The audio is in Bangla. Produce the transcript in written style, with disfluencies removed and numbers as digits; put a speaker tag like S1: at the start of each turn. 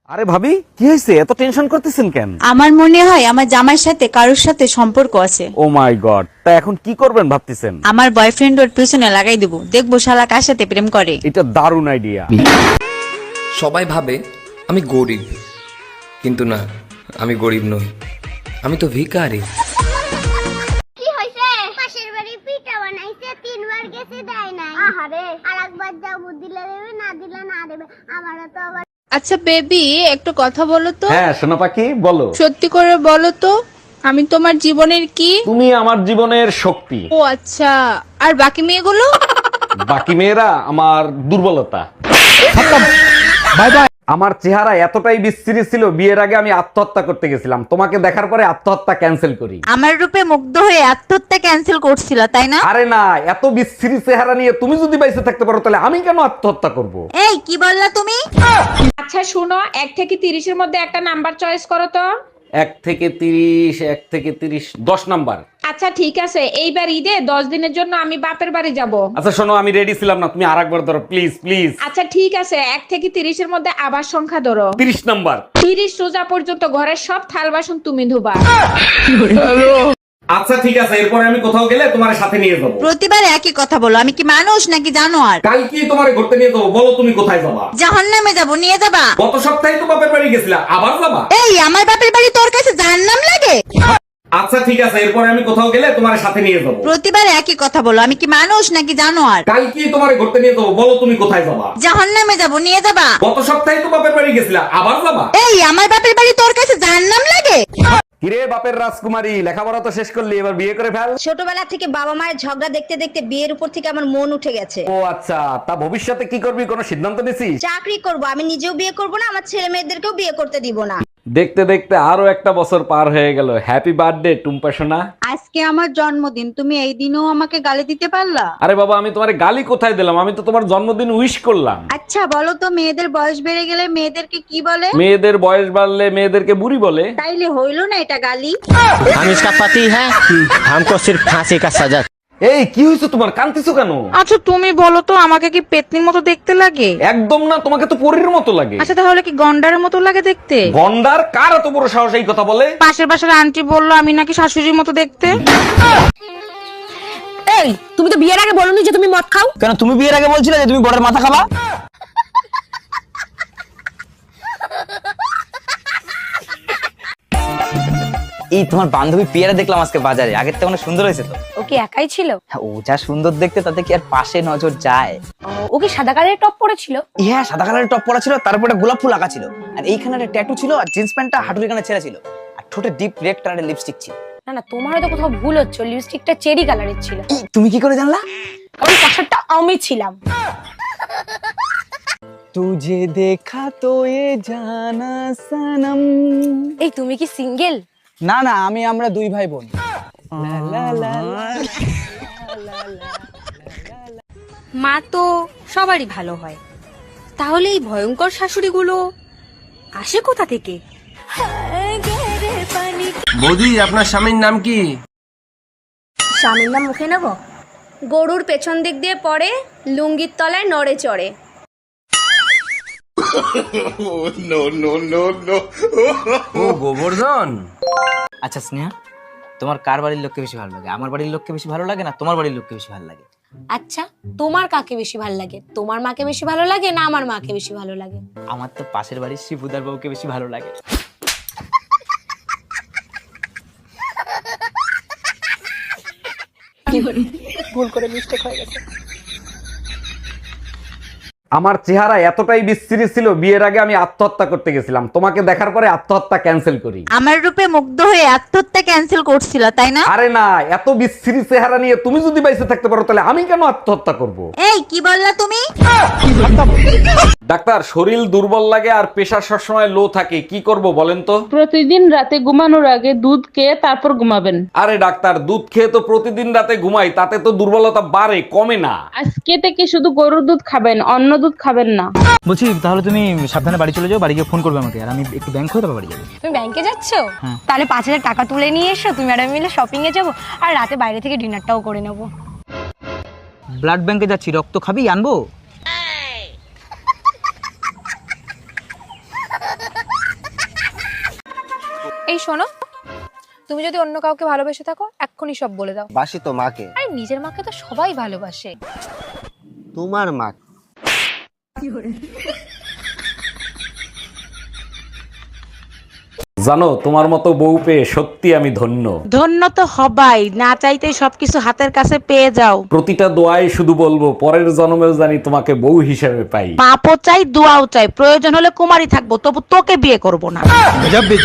S1: আরে ভাবি, কি হয়েছে? এত টেনশন করতেছেন কেন?
S2: আমার মনে হয় আমার জামাইয়ের সাথে কারোর সাথে সম্পর্ক আছে।
S1: ও মাই গড, তা এখন কি করবেন ভাবতেছেন?
S2: আমার বয়ফ্রেন্ড ওর পিছনে লাগাই দেবো, দেখবো শালা কার সাথে প্রেম করে।
S1: এটা দারুণ আইডিয়া।
S3: সবাই ভাবে আমি গরিব, কিন্তু না, আমি গরিব নই, আমি তো ভিখারি।
S4: কি হইছে? পাশের বাড়ি পিঠা বানাইছে, তিনবার গেছে দেয় নাই। আহারে, আরেকবার যাও, দিলে দেবে, না দিলে না দেবে। আমারও তো আবার।
S5: আচ্ছা বেবি, একটু কথা বলো তো।
S1: হ্যাঁ সোনা পাখি, বলো।
S5: সত্যি করে বলো তো, আমি তোমার জীবনের কি?
S1: তুমি আমার জীবনের শক্তি।
S5: ও আচ্ছা, আর বাকি মেয়েগুলো?
S1: বাকি মেয়েরা আমার দুর্বলতা। Bye bye. আমার চেহারা এতটাই বিশ্রী ছিল, বিয়ের আগে আমি আত্মহত্যা করতে গেছিলাম। তোমাকে দেখার পরে আত্মহত্যা ক্যান্সেল করি।
S2: আমার রূপে মুগ্ধ হয়ে আত্মহত্যা ক্যান্সেল করছিল, তাই না?
S1: আরে না, এত বিশ্রী চেহারা নিয়ে তুমি যদি বাইসে থাকতে পারো তাহলে আমি কেন আত্মহত্যা করব?
S2: এই কি বললা তুমি?
S6: আচ্ছা শুনো, 1 থেকে 30-এর মধ্যে একটা নাম্বার চয়েস করো তো।
S1: 1 থেকে 30, 10 নাম্বার।
S6: আচ্ছা ঠিক আছে, এইবার ঈদে 10 দিনের জন্য আমি বাপের বাড়ি যাব।
S1: আচ্ছা শোনো, আমি রেডি ছিলাম না, তুমি আরেকবার ধরো প্লিজ প্লিজ।
S6: আচ্ছা ঠিক আছে, 1 থেকে 30-এর মধ্যে আবার সংখ্যা ধরো।
S1: 30 নাম্বার।
S6: 30 রোজা পর্যন্ত ঘরের সব থাল বাসন তুমি ধুবা।
S1: আচ্ছা ঠিক আছে, এরপরে আমি কোথাও গেলে তোমার সাথে নিয়ে যাবো।
S2: প্রতিবার একই কথা বলো, আমি কি মানুষ নাকি জানোয়ার?
S1: কালকে তোমার ঘুরতে নিয়ে যাবো, বলো তুমি কোথায় যাবা?
S2: জাহান্নামে যাবো, নিয়ে যাবা?
S1: গত সপ্তাহে তো বাপের বাড়ি গেছিলা, আবার যাবা?
S2: এই আমার বাপের বাড়ি তোর কাছে জাহান্নাম লাগে?
S1: আচ্ছা ঠিক আছে, এরপরে আমি কোথাও গেলে তোমার সাথে নিয়ে যাবো।
S2: প্রতিবার একই কথা বলো, আমি কি মানুষ নাকি জানোয়ার?
S1: কালকে তোমার ঘুরতে নিয়ে যাবো, বলো তুমি কোথায় যাবা?
S2: জাহান্নামে যাবো, নিয়ে যাবা?
S1: গত সপ্তাহে তো বাপের বাড়ি গেছিলা, আবার যাবা?
S2: এই আমার বাপের বাড়ি তোর কাছে জাহান্নাম লাগে?
S1: কিরে বাপের রাজকুমারী, লেখাপড়া তো শেষ করলি, এবার বিয়ে করে ফেল।
S7: ছোটবেলা থেকে বাবা মায়ের ঝগড়া দেখতে দেখতে বিয়ের উপর থেকে আমার মন উঠে গেছে।
S1: ও আচ্ছা, তা ভবিষ্যতে কি করবি, কোনো সিদ্ধান্ত নিছিস?
S7: চাকরি করব, আমি নিজেও বিয়ে করব না, আমার ছেলে মেয়েদেরকেও বিয়ে করতে দিব না।
S1: দেখতে দেখতে আরো একটা বছর পার হয়ে গেল। হ্যাপি বার্থডে টুম্পা সোনা।
S2: আজকে আমার জন্মদিন, তুমি এই দিনও আমাকে গালি দিতে পারলা?
S1: আরে বাবা, আমি তোমার গালি কোথায় দিলাম? আমি তো তোমার জন্মদিন উইশ করলাম।
S2: আচ্ছা বলো তো, মেয়েদের বয়স বেড়ে গেলে মেয়েদেরকে কি বলে?
S1: মেয়েদের বয়স বাড়লে মেয়েদেরকে বুড়ি বলে।
S2: তাইলে হইলো না এটা গালি?
S8: हम इसका पति है, हमको सिर्फ फांसी का सजा।
S1: এই কি হয়েছে তোমার, কাঁদতেছো কেন?
S5: আচ্ছা তুমি বলো তো, আমাকে কি পেতনির মতো দেখতে লাগে?
S1: একদম না, তোমাকে তো পরীর মতো লাগে।
S5: আচ্ছা তাহলে কি গন্ডারের মতো লাগে দেখতে?
S1: গন্ডার? কার এত বড় সাহস এই কথা বলে?
S5: পাশের বাসার আন্টি বললো আমি নাকি শাশুড়ির মতো দেখতে।
S7: এই তুমি তো বিয়ের আগে বলনি যে তুমি মদ খাও।
S8: কেন তুমি বিয়ের আগে বলছিলে যে তুমি বড়ের মাথা খাবা? এই তোমার বান্ধবী পিয়ারা দেখলাম আজকে বাজারে, আগের থেকে অনেক সুন্দর হয়েছে তো।
S7: ও কি একাই ছিল?
S8: হ্যাঁ, ও যা সুন্দর দেখতে, তাতে কি আর পাশে নজর যায়?
S7: ও কি সাদা কালারের টপ পরেছিল?
S8: হ্যাঁ, সাদা কালারের টপ পরা ছিল, তার উপরে গোলাপ ফুল আঁকা ছিল, আর এইখানে একটা ট্যাটু ছিল, আর জিন্স প্যান্টটা হাঁটুর এখানে ছেঁড়া ছিল, আর ঠোঁটে ডিপ রেড কালারের লিপস্টিক ছিল।
S7: না না, তোমার হয়তো কোথাও ভুল হচ্ছে, লিপস্টিকটা চেরি কালারের ছিল।
S8: তুমি কি করে জানলা?
S7: ওই পাশারটা আমি ছিলাম।
S8: তুঝে দেখা তো এ জানা সনম।
S7: এই তুমি কি সিঙ্গেল?
S8: না না, আমরা দুই ভাই বোন।
S9: মা তো সবারই ভালো হয়, তাহলে এই ভয়ঙ্কর শাশুড়িগুলো আসে কোথা থেকে?
S3: বৌদি, আপনার স্বামীর নাম কি?
S9: স্বামীর নাম মুখে নেব? গরুর পেছন দিক দিয়ে পড়ে, লুঙ্গির তলায় নড়ে চড়ে।
S3: ও গোবর্ধন।
S8: আচ্ছা স্নেহা, তোমার কার বাড়ির লোককে বেশি ভালো লাগে? আমার বাড়ির লোককে বেশি ভালো লাগে না তোমার বাড়ির লোককে বেশি ভালো লাগে?
S9: আচ্ছা তোমার কাকে বেশি ভালো লাগে? তোমার মাকে বেশি ভালো লাগে না আমার মাকে বেশি ভালো লাগে?
S8: আমার তো পাশের বাড়ির শিবুদার বউকে বেশি ভালো লাগে।
S7: ভুল করে মিস্টেক হয়ে গেছে।
S1: আমার চেহারা এতটাই বিশ্রী ছিল, বিয়ের আগে আমি আত্মহত্যা করতে গেছিলাম। তোমাকে দেখার পরে আত্মহত্যা ক্যান্সেল করি।
S2: আমার রূপে মুগ্ধ হয়ে আত্মহত্যা ক্যান্সেল করছিল, তাই না?
S1: আরে না, এত বিশ্রী চেহারা নিয়ে তুমি যদি বাইসে থাকতে পারো তাহলে আমি কেন আত্মহত্যা করব?
S2: এই কি বললা তুমি?
S1: ডাক্তার, শরীর দুর্বল লাগে আর প্রেশার সবসময় লো থাকে, কি করব বলেন তো?
S6: প্রতিদিন রাতে ঘুমানোর আগে দুধ খেয়ে তারপর ঘুমাবেন।
S1: আরে ডাক্তার, দুধ খেয়ে তো প্রতিদিন রাতে ঘুমাই, তাতে তো দুর্বলতা বাড়ে, কমে না।
S6: আজকে থেকে শুধু গরুর দুধ খাবেন, অন্য দুধ খাবেন না।
S8: বলছি তাহলে তুমি সাবধানে বাড়ি চলে যাও, বাড়ি গিয়ে ফোন করবে আমাকে, আর আমি একটু ব্যাংক হয়ে তারপর বাড়ি যাবো।
S9: তুমি ব্যাংকে যাচ্ছো? তাহলে 5,000 টাকা তুলে নিয়ে এসো, তুমি আর আমি মিলে শপিং এ যাবো, আর রাতে বাইরে থেকে ডিনারটাও করে নেবো।
S8: ব্লাড ব্যাংকে যাচ্ছি, রক্ত খাবি? আনবো?
S9: এই শোনো, তুমি যদি অন্য কাউকে ভালোবেসে থাকো এক্ষুনি সব বলে দাও।
S10: বাসি তো মাকে।
S9: আরে নিজের মাকে তো সবাই ভালোবাসে।
S10: তোমার মা।
S1: জানো, তোমার মতো বউ পেয়ে সত্যি আমি ধন্য।
S5: ধন্য তো হবাই, না চাইতেই সবকিছু হাতের কাছে পেয়ে যাও।
S1: প্রতিটা দোয়ায় শুধু বলবো পরের জন্মেও জানি তোমাকে বউ হিসেবে পাই।
S5: পাপও চাই, দোয়াও চাই, প্রয়োজন হলে কুমারী থাকবো, তবু তোকে বিয়ে করব না।